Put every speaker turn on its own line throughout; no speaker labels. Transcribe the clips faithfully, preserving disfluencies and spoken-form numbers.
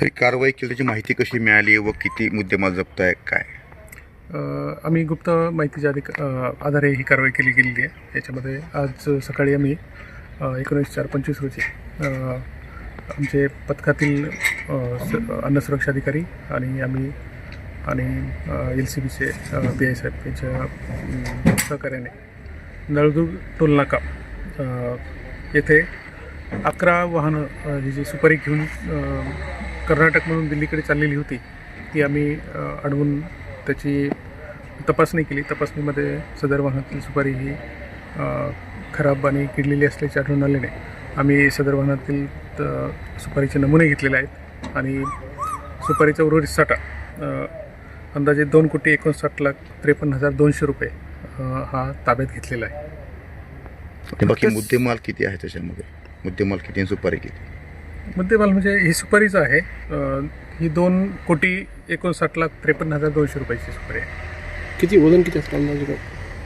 Sir कारवाई केली त्याची माहिती कशी मिळाली व किती मुद्देमाल जप्त आहे काय?
अ, आम्ही गुप्त माहितीच्या अधिक अ, आधारे ही कारवाई केली गेलेली आहे. याच्यामध्ये आज सकाळी आम्ही अ, एकोणीस चार पंचवीस रोजी अ, आमचे पथकातील अ, स अन्न सुरक्षा अधिकारी आणि आम्ही आणि एल सी बीचे पी आय साहेब यांच्या अम, सहकार्याने नळदुर्ग टोलनाका अ, येथे अकरा वाहनं अ, ही जी सुपारी घेऊन अ, कर्नाटकमधून दिल्लीकडे चाललेली होती ती आम्ही अ, अडवून त्याची तपासणी केली. तपासणीमध्ये सदर वाहनातील सुपारी ही अ, खराब आणि किडलेली असल्याचे आढळून आल्याने आम्ही सदर वाहनातील त- सुपारीचे नमुने घेतलेले आहेत आणि सुपारीचा उर्वरित साठा अ, अंदाजे दोन कोटी एकोणसाठ लाख त्रेपन्न हजार दोनशे रुपये अ, हा ताब्यात घेतलेला आहे.
आणि बाकी मुद्देमाल किती आहे त्याच्यामध्ये? मुद्देमाल किती आणि सुपारी किती?
मुद्देमाल म्हणजे ही सुपारीच आहे. अ, ही दोन कोटी एकोणसाठ लाख त्रेपन्न हजार दोनशे रुपयाची सुपारी आहे.
किती वजन किती असतं अंदाजे काय?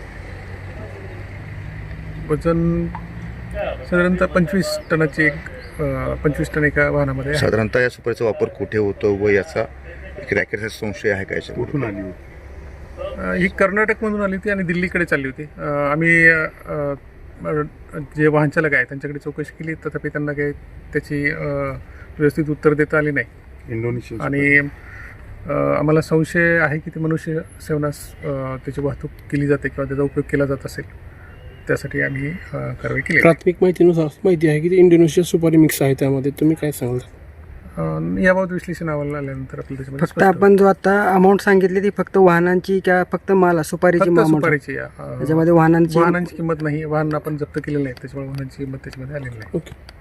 वजन साधारणतः पंचवीस टनाची एक अ, पंचवीस टन एका वाहनामध्ये आहे.
साधारणतः या सुपारीचा वापर कुठे होतो व याचा एक रॅकेटचा संशय आहे का याच्यामध्ये?
कुठून आली होती?
अ, ही कर्नाटकमधून आली होती आणि दिल्लीकडे चालली होती. अ, आम्ही अ, अ, जे वाहन चालक आहे त्यांच्याकडे चौकशी केली, तथापि त्यांना काही त्याची अ, व्यवस्थित उत्तर देता आली नाही
इंडोनेशिया
आणि अ, आम्हाला संशय आहे की ती मनुष्य सेवनास अ, त्याची वाहतूक केली जाते किंवा त्याचा उपयोग केला जात असेल. त्यासाठी आम्ही अ, कारवाई केली.
प्राथमिक माहितीनुसार अशी माहिती आहे की ते इंडोनेशिया सुपारी मिक्स आहे. त्यामध्ये तुम्ही काय सांगाल?
अ, याबाबत विश्लेषण अहवाल आल्यानंतर आपल्याला त्याच्यामध्ये
फक्त
स्पष्ट होईल.
आपण जो आता अमाऊंट सांगितली ती फक्त वाहनांची किंवा फक्त माल सुपारीची
फक्त
amount आहे?
सुपारीची अ,
त्याच्यामध्ये वाहनांची
वाहनांची किंमत नाही. वाहन आपण जप्त केलेलं नाही, त्याच्यामुळे वाहनांची किंमत त्याच्यामध्ये आलेली नाही.
ओके.